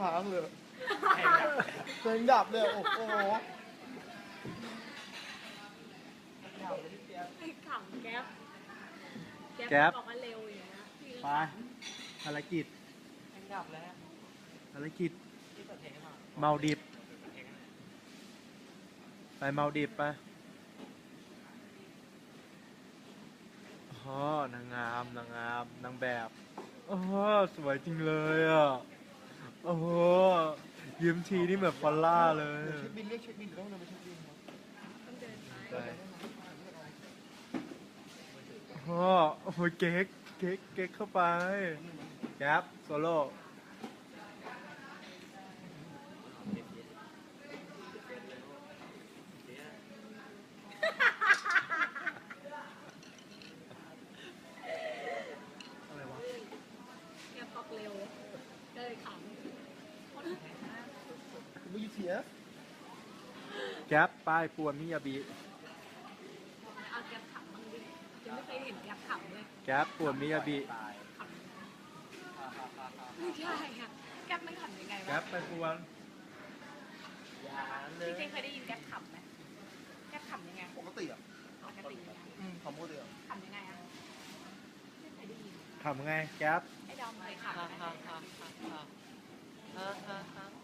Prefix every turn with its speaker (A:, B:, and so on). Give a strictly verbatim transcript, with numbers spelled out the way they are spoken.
A: ค้างเลย
B: เพลงดับ
A: เพลงดับเลยโอ้โห
C: ไอ้ขำแก๊ป
D: แก๊ป
C: บอกว่าเร็วอย่างเงี้ยพี่
D: ไปภารกิจ
B: เพลงดับแล้ว
D: ภารกิจ
B: ที่เปิดเพลงให้ฟัง
D: เมาดิบ
B: เปิดเพลงให้หน่อย
D: ไปเมาดิบไปอ๋อนางงามนางงามนางแบบโอ้สวยจริงเลยอ่ะโอ้โหยิ้มทีนี่แบบฟอลล่าเลย
A: เดี๋ยวเช็คบินเรียกเช็คบินหรือต้องเดินไปเช็คบินครับ
C: ต้องเดินไป
D: ไปโอ้โอ้โหเก๊กเก๊กเก๊กเข้าไปแก๊ปโซโล่อะไรวะ
C: แก๊ปบอกเร็วก็เลยขำ
A: คุณไม่ยูเทียส
D: แก๊ปป้ายปวนมิยาบิ
C: เอาแก๊ปขำบ้างดิยังไม่เคยเห็นแก๊ปขำเลย
D: แก๊ปปวนมิยาบิ
B: ตาย
C: ขำไม่ใช่ค่ะแก๊ปมันขำยังไง
D: แก๊
C: วะ
D: ปไปปวน
B: อย่าเล
C: พี่
B: ย
C: เจเคยได้ยินแก๊ปขำไหมแก๊ปขำยังไง
A: ปกติอ่ะ
C: ปกติยังไง
A: อืมคำปกติอ่ะ
C: ขำยังไงอะไม่เคยได้ยิน
D: ทำไงแก๊ป
C: ไอ้ดอมเคยขำ
B: ฮ่า
C: ไหม
B: ฮ่าฮ่าฮ่าฮ่าฮ่าฮ่า